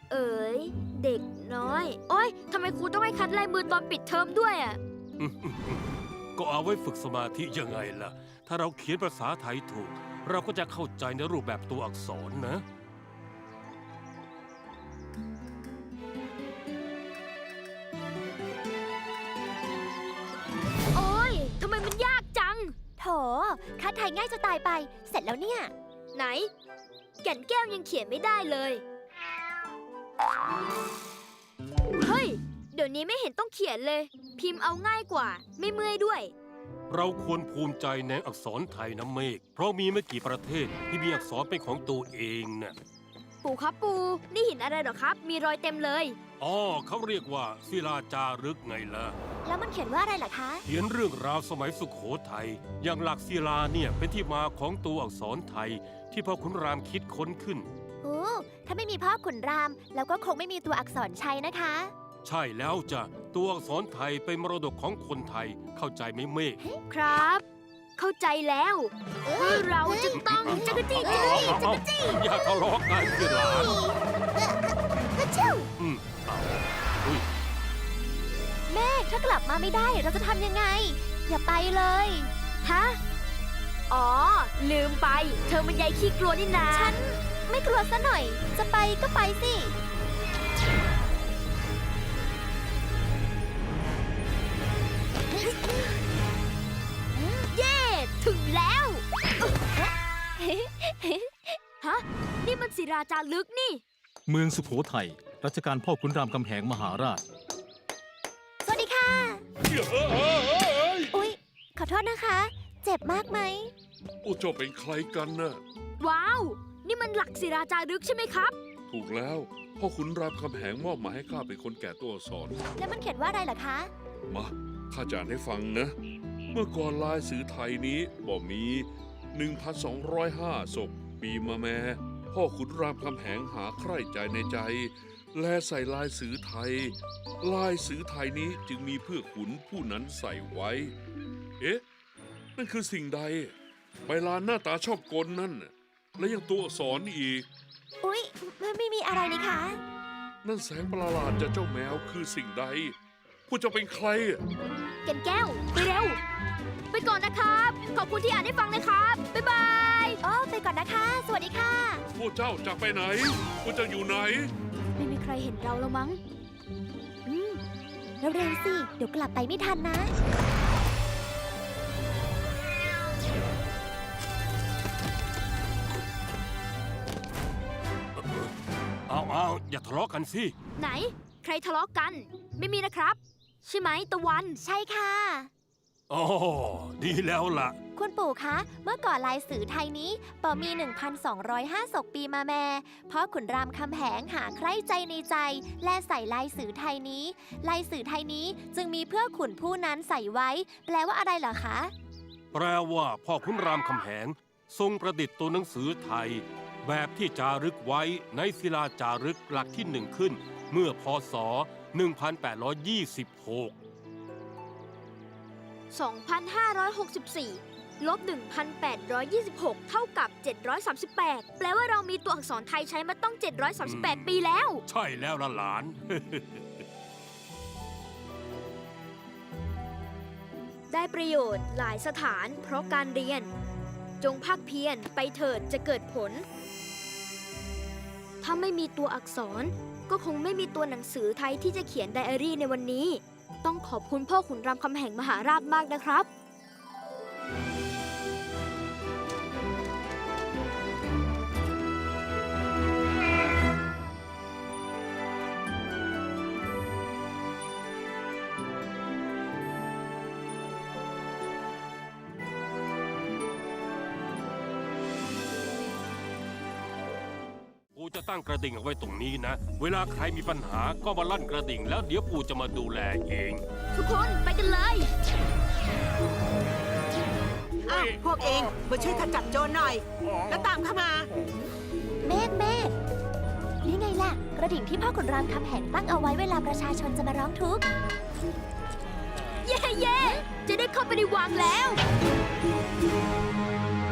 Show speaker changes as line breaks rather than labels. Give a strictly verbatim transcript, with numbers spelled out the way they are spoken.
เอ๋ยเด็กน้อยโอ๊ยทำไมครูต้องให้คัดลายมือตอนปิดเทอมด้วยอ่ะ
ก็เอาไว้ฝึกสมาธิยังไงล่ะ ถ้าเราเขียนภาษาไทยถูก เราก็จะเข้าใจในรูปแบบตัวอักษรนะ
โอ๊ยทำไมมันยากจัง
โถคัดไทยง่ายจะตายไป เสร็จแล้วเนี่ย
ไหน แก่นแก้วยังเขียนไม่ได้เลย เฮ้ย เดี๋ยวนี้ไม่เห็นต้องเขียนเลย พิมพ์เอาง่ายกว่า ไม่เมื่อยด้วย
เราควรภูมิใจในอักษรไทยนะเมฆ เพราะมีไม่กี่ประเทศที่มีอักษรเป็นของตัวเองน่ะ
ปู่ครับปู่ นี่หินอะไรเหรอครับ มีรอยเต็มเลย
อ๋อเขาเรียกว่าศิลาจารึกไงล่ะ
แล้วมันเขียนว่าอะไรล่ะคะ
เขียนเรื่องราวสมัยสุโขทัย อย่างหลักศิลาเนี่ยเป็นที่มาของตัวอักษรไทยที่พ่อขุนรามคิดค้นขึ้น
โอ้ ถ้าไม่มีพ่อขุนราม แล้วก็คงไม่มีตัวอักษรชัยนะคะ
ใช่แล้วจ้ะ ตัวอักษรไทยเป็นมรดกของคนไทย เข้าใจไหมเมฆ
ครับ เข้าใจแล้วว่าเราจะต้องจักรจี้จักรจี้จักรจี้
อย่าทะเลาะกันสิหลาน
เจ้า
อืมเอาอุ้ย
แม่ถ้ากลับมาไม่ได้เราจะทำยังไง อย่าไปเลย
ฮะ อ๋อ ลืมไป เธอมันยายขี้กลัวนี่นา
ฉันไม่กลัวซะหน่อย จะไปก็ไปสิ
เย่ถึงแล้ว ฮะ นี่มันศิราจารึกนี่
เมืองสุโขทัย รัชกาลพ่อขุนรามคำแหงมหาราช
สวัสดีค่ะ อุ๊ย ขอโทษนะคะ เจ็บมากไหม
โอ้เจ้าเป็นใครกันน่ะ
ว้าว นี่มันหลักศิราจารึกใช่ไหมครับ
ถูกแล้ว พ่อขุนรามคำแหงมอบหมายให้ข้าเป็นคนแก่ตัวอักษร
แล้วมันเขียนว่าอะไรล่ะคะ
มาข้าจะอ่านให้ฟังนะ เมื่อก่อนลายสื่อไทยนี้บ่มี หนึ่งพันสองร้อยห้า ศกปีมาแม่พ่อขุนรามคำแหงหาใคร่ใจในใจ แลใส่ลายสื่อไทย ลายสื่อไทยนี้จึงมีเพื่อขุนผู้นั้นใส่ไว้ เอ๊ะ นั่นคือสิ่งใด ใบลานหน้าตาชอบกลนั่นน่ะและยังตัวอักษรอีก
อุ๊ยไม่ไม่มีอะไรนี่คะ
นั่นแสงประหลาดจากเจ้าแมวคือสิ่งใดพวกเจ้าเป็นใครอะ
แก่นแก้ว ไปเร็ว ไปก่อนนะครับ ขอบคุณที่อ่านให้ฟังนะครับ บ๊ายบาย
อ๋อ ไปก่อนนะคะ สวัสดีค่ะ
พวกเจ้าจะไปไหน พวกเจ้าอยู่ไหน
ไม่มีใครเห็นเราแล้วมั้ง
อืมเร็วๆสิ เดี๋ยวกลับไปไม่ทันนะ
เอาเอาอย่าทะเลาะกันสิ
ไหน ใครทะเลาะกัน ไม่มีนะครับ ใช่ไหมตะวัน
ใช่ค่ะ
อ๋อ ดีแล้วล่ะ
คุณปู่คะ เมื่อก่อนลายสื่อไทยนี้ปอมี หนึ่งพันสองร้อยห้า ศกปีมาแม่พ่อขุนรามคำแหงหาใคร่ใจในใจ และใส่ลายสื่อไทยนี้ ลายสื่อไทยนี้จึงมีเพื่อขุนผู้นั้นใส่ไว้ แปลว่าอะไรเหรอคะ
แปลว่าพ่อขุนรามคำแหง ทรงประดิษฐ์ตัวหนังสือไทย แบบที่จารึกไว้ในศิลาจารึกหลักที่หนึ่งขึ้น เมื่อพศ หนึ่งพันแปดร้อยยี่สิบหก
สองพันห้าร้อยหกสิบสี่ ลบ หนึ่งพันแปดร้อยยี่สิบหก เท่ากับ เจ็ดร้อยสามสิบแปด แปลว่าเรามีตัวอักษรไทยใช้มาต้อง เจ็ดร้อยสามสิบแปด ปีแล้ว
ใช่แล้วล่ะหลาน
ได้ประโยชน์หลายสถานเพราะการเรียน จงภาคเพียรไปเถิดจะเกิดผล ถ้าไม่มีตัวอักษร ก็คงไม่มีตัวหนังสือไทยที่จะเขียนไดอารี่ในวันนี้ ต้องขอบคุณพ่อขุนรามคำแหงมหาราชมากนะครับ
ปู่จะตั้งกระดิ่งเอาไว้ตรงนี้นะ เวลาใครมีปัญหาก็มาลั่นกระดิ่งแล้วเดี๋ยวปู่จะมาดูแลเอง
ทุกคนไปกันเลย
อ้าวพวกเองมาช่วยขจัดโจรหน่อย แล้วตามเข้ามา
เมฆเมฆนี่ไงล่ะ กระดิ่งที่พ่อขุนรามคำแหงตั้งเอาไว้เวลาประชาชนจะมาร้องทุกข์
เย่เย่จะได้เข้าไปในวังแล้ว